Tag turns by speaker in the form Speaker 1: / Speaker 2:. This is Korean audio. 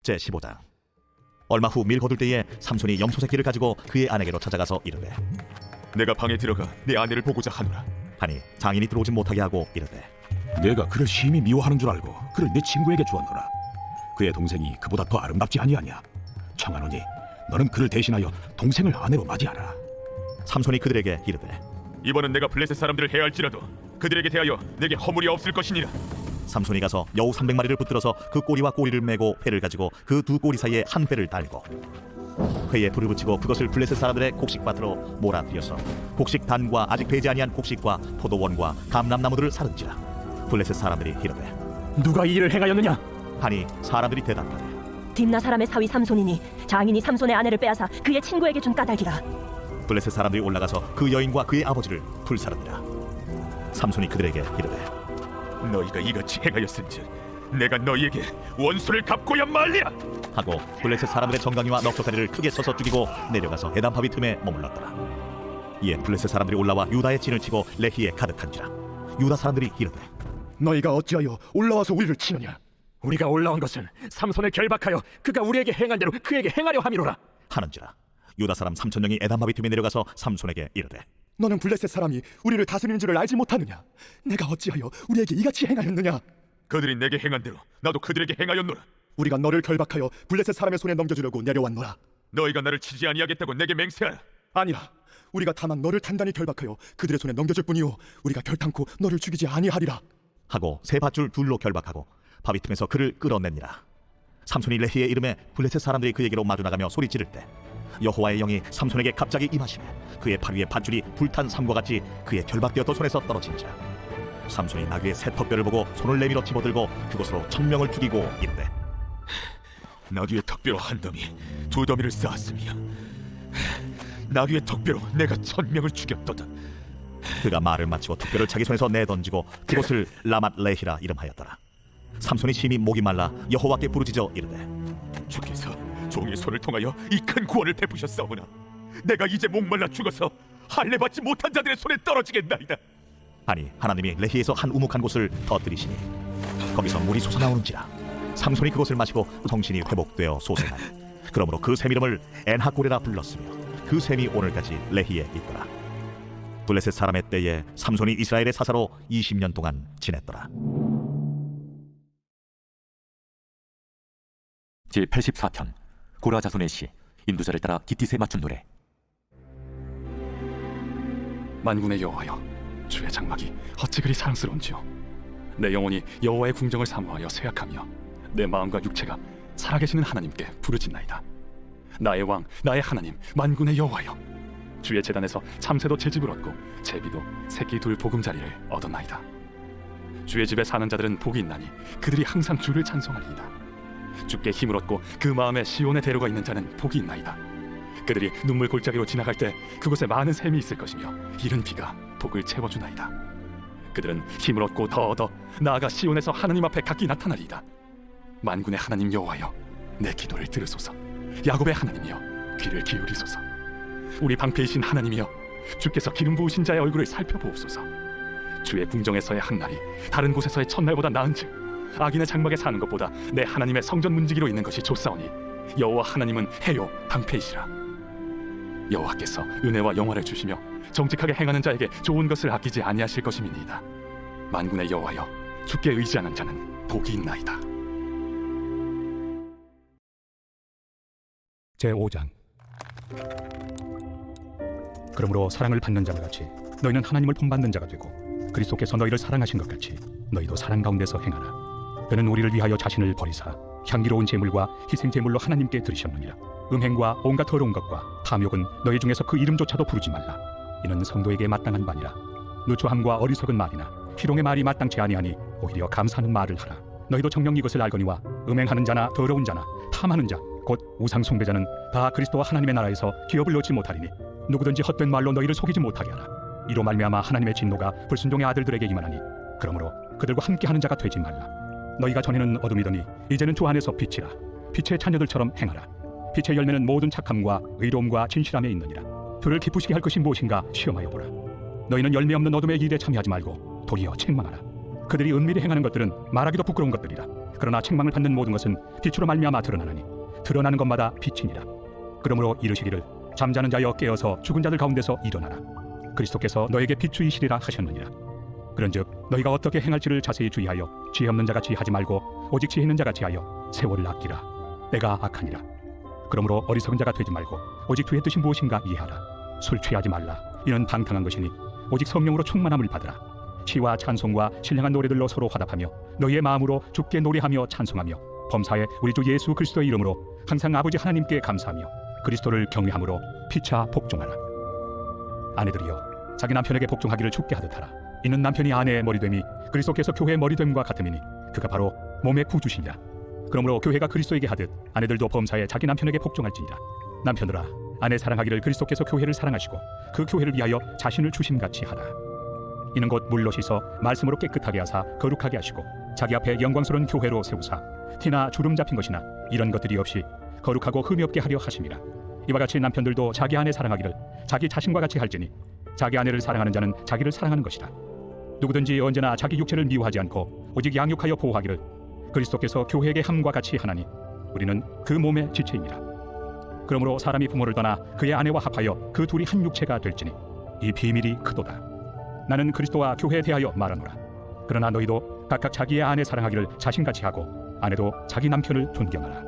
Speaker 1: 제15장. 얼마 후 밀 거둘 때에 삼손이 염소 새끼를 가지고 그의 아내에게로 찾아가서 이르되,
Speaker 2: 내가 방에 들어가 내 아내를 보고자 하노라.
Speaker 1: 하니 장인이 들어오지 못하게 하고 이르되,
Speaker 3: 내가 그를 심히 미워하는 줄 알고 그를 내 친구에게 주었노라. 그의 동생이 그보다 더 아름답지 아니하냐. 청하노니 너는 그를 대신하여 동생을 아내로 맞이하라.
Speaker 1: 삼손이 그들에게 이르되,
Speaker 2: 이번은 내가 블레셋 사람들을 해할지라도 그들에게 대하여 내게 허물이 없을 것이니라.
Speaker 1: 삼손이 가서 여우 300마리를 붙들어서 그 꼬리와 꼬리를 메고 회를 가지고 그 두 꼬리 사이에 한 회를 달고 회에 불을 붙이고 그것을 블레셋 사람들의 곡식밭으로 몰아들여서 곡식 단과 아직 배지 아니한 곡식과 포도원과 감람나무들을 사른지라. 블레셋 사람들이 이르되,
Speaker 3: 누가 이 일을 행하였느냐?
Speaker 1: 하니 사람들이 대답하되,
Speaker 4: 딥나 사람의 사위 삼손이니 장인이 삼손의 아내를 빼앗아 그의 친구에게 준 까닭이라.
Speaker 1: 블레셋 사람들이 올라가서 그 여인과 그의 아버지를 불사릅니다. 삼손이 그들에게 이르되,
Speaker 2: 너희가 이같이 행하였은즉 내가 너희에게 원수를 갚고야 말리라.
Speaker 1: 하고 블레셋 사람들의 정강이와 넉적다리를 크게 쳐서 죽이고 내려가서 에담바위 틈에 머물렀더라. 이에 블레셋 사람들이 올라와 유다의 진을 치고 레히에 가득한지라. 유다 사람들이 이르되,
Speaker 5: 너희가 어찌하여 올라와서 우리를 치느냐?
Speaker 3: 우리가 올라온 것은 삼손을 결박하여 그가 우리에게 행한 대로 그에게 행하려 함이로라.
Speaker 1: 하는지라. 유다 사람 3,000명이 에담바위 틈에 내려가서 삼손에게 이르되,
Speaker 5: 너는 블레셋 사람이 우리를 다스리는 줄을 알지 못하느냐? 내가 어찌하여 우리에게 이같이 행하였느냐?
Speaker 2: 그들이 내게 행한 대로 나도 그들에게 행하였노라.
Speaker 5: 우리가 너를 결박하여 블레셋 사람의 손에 넘겨주려고 내려왔노라.
Speaker 2: 너희가 나를 치지 아니하겠다고 내게 맹세하라.
Speaker 5: 아니라 우리가 다만 너를 단단히 결박하여 그들의 손에 넘겨줄 뿐이요 우리가 결탄코 너를 죽이지 아니하리라.
Speaker 1: 하고 세 밧줄 둘로 결박하고 바위 틈에서 그를 끌어냅니다. 삼손이 레히의 이름에 블레셋 사람들이 그에게로 마주 나가며 소리 지를 때 여호와의 영이 삼손에게 갑자기 임하시매 그의 팔 위에 밧줄이 불탄 삼과 같이 그의 결박되었던 손에서 떨어진지라. 삼손이 나귀의 새 턱뼈를 보고 손을 내밀어 집어들고 그것으로 1,000명을 죽이고 이르되,
Speaker 2: 나귀의 턱뼈로 한 더미 두 더미를 쌓았으며 나귀의 턱뼈로 내가 1,000명을 죽였도다.
Speaker 1: 그가 말을 마치고 턱뼈를 자기 손에서 내던지고 그것을 라맛 레히라 이름하였더라. 삼손이 심히 목이 말라 여호와께 부르짖어 이르되,
Speaker 2: 주께서 종의 손을 통하여 이 큰 구원을 베푸셨사오나 내가 이제 목말라 죽어서 할례 받지 못한 자들의 손에 떨어지겠나이다.
Speaker 1: 아니 하나님이 레히에서 한 우묵한 곳을 터뜨리시니 거기서 물이 솟아나오는지라. 삼손이 그것을 마시고 정신이 회복되어 솟아나니 그러므로 그 샘 이름을 엔하고레라 불렀으며 그 샘이 오늘까지 레히에 있더라. 블레셋 사람의 때에 삼손이 이스라엘의 사사로 20년 동안 지냈더라.
Speaker 6: 제84편 고라 자손의 시. 인도자를 따라 기티스에 맞춘 노래.
Speaker 7: 만군의 여호와여, 주의 장막이 어찌 그리 사랑스러운지요. 내 영혼이 여호와의 궁정을 사모하여 쇠약하며 내 마음과 육체가 살아계시는 하나님께 부르짖나이다. 나의 왕, 나의 하나님, 만군의 여호와여, 주의 제단에서 참새도 채집을 얻고 제비도 새끼 둘 보금자리를 얻었나이다. 주의 집에 사는 자들은 복이 있나니 그들이 항상 주를 찬송하리이다. 주께 힘을 얻고 그 마음에 시온의 대로가 있는 자는 복이 있나이다. 그들이 눈물 골짜기로 지나갈 때 그곳에 많은 샘이 있을 것이며 이른 비가 복을 채워주나이다. 그들은 힘을 얻고 더 얻어 나아가 시온에서 하나님 앞에 각기 나타나리이다. 만군의 하나님 여호와여, 내 기도를 들으소서. 야곱의 하나님이여, 귀를 기울이소서. 우리 방패이신 하나님이여, 주께서 기름 부으신 자의 얼굴을 살펴보옵소서. 주의 궁정에서의 한 날이 다른 곳에서의 첫날보다 나은즉 악인의 장막에 사는 것보다 내 하나님의 성전 문지기로 있는 것이 좋사오니 여호와 하나님은 해요 방패이시라. 여호와께서 은혜와 영화를 주시며 정직하게 행하는 자에게 좋은 것을 아끼지 아니하실 것임이니이다. 만군의 여호와여, 주께 의지하는 자는 복이 있나이다.
Speaker 8: 제5장. 그러므로 사랑을 받는 자와 같이 너희는 하나님을 본받는 자가 되고 그리스도께서 너희를 사랑하신 것 같이 너희도 사랑 가운데서 행하라. 그는 우리를 위하여 자신을 버리사 향기로운 제물과 희생 제물로 하나님께 드리셨느니라. 음행과 온갖 더러운 것과 탐욕은 너희 중에서 그 이름조차도 부르지 말라. 이는 성도에게 마땅한 바니라. 누추함과 어리석은 말이나 희롱의 말이 마땅치 아니하니 오히려 감사하는 말을 하라. 너희도 정녕 이것을 알거니와 음행하는 자나 더러운 자나 탐하는 자 곧 우상 숭배자는 다 그리스도와 하나님의 나라에서 기업을 얻지 못하리니 누구든지 헛된 말로 너희를 속이지 못하게 하라. 이로 말미암아 하나님의 진노가 불순종의 아들들에게 임하나니 그러므로 그들과 함께하는 자가 되지 말라. 너희가 전에는 어둠이더니 이제는 주 안에서 빛이라. 빛의 자녀들처럼 행하라. 빛의 열매는 모든 착함과 의로움과 진실함에 있느니라. 주를 기쁘시게 할 것이 무엇인가 시험하여 보라. 너희는 열매 없는 어둠의 일에 참여하지 말고 도리어 책망하라. 그들이 은밀히 행하는 것들은 말하기도 부끄러운 것들이라. 그러나 책망을 받는 모든 것은 빛으로 말미암아 드러나느니 드러나는 것마다 빛이니라. 그러므로 이르시기를 잠자는 자여 깨어서 죽은 자들 가운데서 일어나라. 그리스도께서 너에게 비추이시리라 하셨느니라. 그런즉 너희가 어떻게 행할지를 자세히 주의하여 지혜 없는 자같이 하지 말고 오직 지혜 있는 자같이 하여 세월을 아끼라. 때가 악하니라. 그러므로 어리석은 자가 되지 말고 오직 주의 뜻이 무엇인가 이해하라. 술 취하지 말라. 이는 방탕한 것이니 오직 성령으로 충만함을 받으라. 시와 찬송과 신령한 노래들로 서로 화답하며 너희의 마음으로 주께 노래하며 찬송하며 범사에 우리 주 예수 그리스도의 이름으로 항상 아버지 하나님께 감사하며 그리스도를 경외함으로 피차 복종하라. 아내들이여 자기 남편에게 복종하기를 죽게 하듯하라. 이는 남편이 아내의 머리됨이 그리스도께서 교회의 머리됨과 같음이니 그가 바로 몸의 구주시니라. 그러므로 교회가 그리스도에게 하듯 아내들도 범사에 자기 남편에게 복종할지니라. 남편들아 아내 사랑하기를 그리스도께서 교회를 사랑하시고 그 교회를 위하여 자신을 주심같이 하라. 이는 곧 물로 씻어 말씀으로 깨끗하게 하사 거룩하게 하시고 자기 앞에 영광스러운 교회로 세우사 티나 주름 잡힌 것이나 이런 것들이 없이 거룩하고 흠이 없게 하려 하심이라. 이와 같이 남편들도 자기 아내 사랑하기를 자기 자신과 같이 할지니 자기 아내를 사랑하는 자는 자기를 사랑하는 것이라. 누구든지 언제나 자기 육체를 미워하지 않고 오직 양육하여 보호하기를 그리스도께서 교회에게 함과 같이 하나니 우리는 그 몸의 지체입니다. 그러므로 사람이 부모를 떠나 그의 아내와 합하여 그 둘이 한 육체가 될지니 이 비밀이 크도다. 나는 그리스도와 교회에 대하여 말하노라. 그러나 너희도 각각 자기의 아내 사랑하기를 자신같이 하고 아내도 자기 남편을 존경하라.